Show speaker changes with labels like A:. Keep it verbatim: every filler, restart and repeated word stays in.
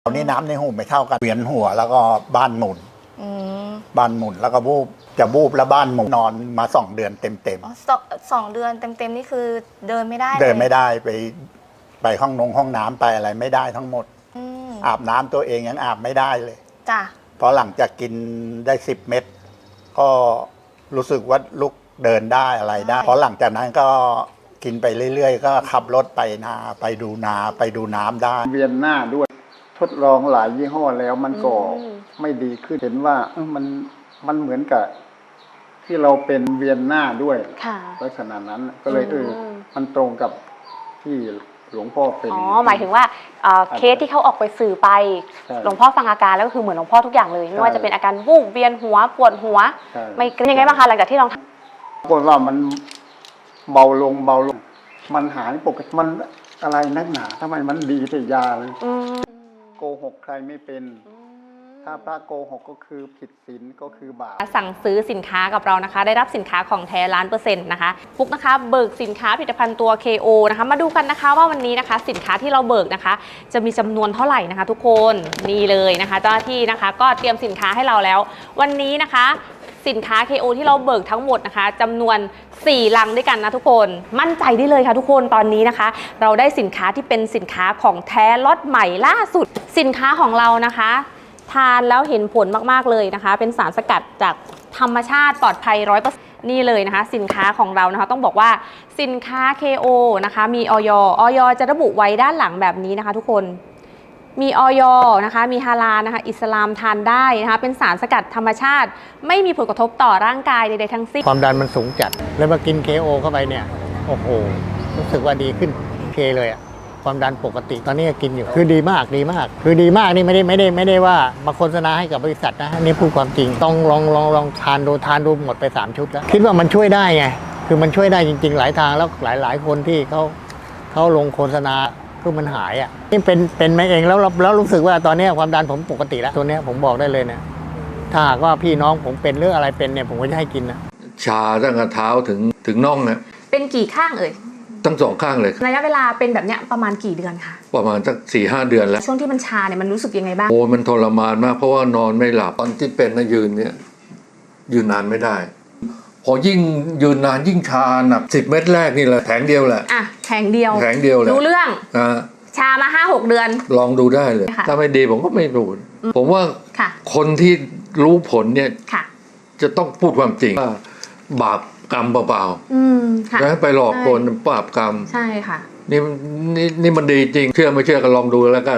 A: ตอนนี้น้ำในหูไม่เท่ากันเวียนหัวแล้วก็บ้านหมุนบ้านหมุนแล้วก็วูบจะวูบแล้วบ้านหมุนนอนมาสองเดือนเต็มเต็ม
B: สองสองเดือนเต็มเต็มนี่คือเดินไม่ได้
A: เดินไม่ได้ไปไปห้องนงห้องน้ำไปอะไรไม่ได้ทั้งหมดอาบน้ำตัวเองยังอาบไม่ได้เลย
B: จ้ะ
A: เพราะหลังจากกินได้สิบเม็ดก็รู้สึกว่าลุกเดินได้อะไรได้เพราะหลังจากนั้นก็กินไปเรื่อยๆก็ขับรถไปนาไปดูนาไปดูน้ำได้
C: เวียนหน้าด้วยทดลองหลายยี่ห้อแล้วมันก็ไม่ดีขึ้นเห็นว่ามันมันเหมือนกับที่เราเป็นเวียนหน้าด้วยลักษณะนั้นก็เลยเออมันตรงกับที่หลวงพ่อเป็น
D: อ๋อหมายถึงว่าเคสที่เขาออกไปสื่อไปหลวงพ่อฟังอาการแล้วก็คือเหมือนหลวงพ่อทุกอย่างเลยไม่ว่าจะเป็นอาการวูบเวียนหัวปวดหัวไม่ยังไงบ้างคะหลังจากที่ลอง
C: ปรากฏว่ามันเบาลงเบาลงมันหายปกติมันอะไรนักหนาทำไมมันดีแต่ยาเลยโกหกใครไม่เป็นถ้าพระโกหกก็คือผิดศีลก็คือบาป
D: สั่งซื้อสินค้ากับเรานะคะได้รับสินค้าของแท้ล้านเปอร์เซ็นต์นะคะฟุกนะคะเบิกสินค้าผลิตภัณฑ์ตัว เค โอ นะคะมาดูกันนะคะว่าวันนี้นะคะสินค้าที่เราเบิกนะคะจะมีจำนวนเท่าไหร่นะคะทุกคนนี่เลยนะคะเจ้าหน้าที่นะคะก็เตรียมสินค้าให้เราแล้ววันนี้นะคะสินค้า เค โอ ที่เราเบิกทั้งหมดนะคะจำนวนสี่ลังด้วยกันนะทุกคนมั่นใจได้เลยค่ะทุกคนตอนนี้นะคะเราได้สินค้าที่เป็นสินค้าของแท้ล็อตใหม่ล่าสุดสินค้าของเรานะคะทานแล้วเห็นผลมากๆเลยนะคะเป็นสารสกัดจากธรรมชาติปลอดภัย ร้อยเปอร์เซ็นต์ นี่เลยนะคะสินค้าของเรานะคะต้องบอกว่าสินค้า เค โอ นะคะมีอย อยจะระบุไว้ด้านหลังแบบนี้นะคะทุกคนมีอย นะคะมีฮาลาลนะคะอิสลามทานได้นะคะเป็นสารสกัดธรรมชาติไม่มีผลกระทบต่อร่างกายใดๆทั้งสิ้น
E: ความดันมันสูงจัดแล้วมากิน เค โอ เข้าไปเนี่ยโอ้โหรู้สึกว่าดีขึ้นเคเลยอะความดันปกติตอนนี้กินอยู่คือดีมากดีมากคือดีมากนี่ไม่ได้ไม่ได้ไม่ได้ว่ามาโฆษณาให้กับบริษัทนะนี่พูดความจริงต้องลองลองลองทานดูทานดูหมดไปสามชุดแล้วคิดว่ามันช่วยได้ไงคือมันช่วยได้จริงๆหลายทางแล้วหลายหลายคนที่เขาเขาลงโฆษณาคือมันหายอ่ะนี่เป็นเป็นมาเองแล้วแล้วรู้สึกว่าตอนนี้ความดันผมปกติแล้วตัวนี้ผมบอกได้เลยเนี่ยถ้าหากว่าพี่น้องผมเป็นหรืออะไรเป็นเนี่ยผมก็จะให้กินนะ
F: ชาตั้งแต่เท้าถึงถึงน่องนะ
D: เป็นกี่ข้างเอ่ย
F: ทั้งสองข้างเลย
D: ระยะเวลาเป็นแบบเนี้ยประมาณกี่เดือนคะ
F: ประมาณสักสี่ห้าเดือนแล้ว
D: ช่วงที่มันชาเนี่ยมันรู้สึกยังไงบ้าง
F: โอ้มันทรมานมากเพราะว่านอนไม่หลับตอนที่เป็นนะยืนเนี่ยยืนนานไม่ได้พอยิ่งยืนนานยิ่งชาหนักสิบเม็ดแรกนี่แหละแผงเดียวแหละ
D: อ่ะแผงเดียว
F: แผงเดียวแหละ
D: รู้เรื่อง
F: อ่า
D: ชามาห้าหกเดือน
F: ลองดูได้เลยถ้าไม่ดีผมก็ไม่รู้ผมว่าคนที่รู้ผลเนี่ยจะต้องพูดความจริงว่าบาปกรรมเปล่าๆนะไปหลอกคนบาปกรรม
D: ใช่ค่ะ
F: นี่นี่นี่มันดีจริงเชื่อไม่เชื่อก็ลองดูแล้วกัน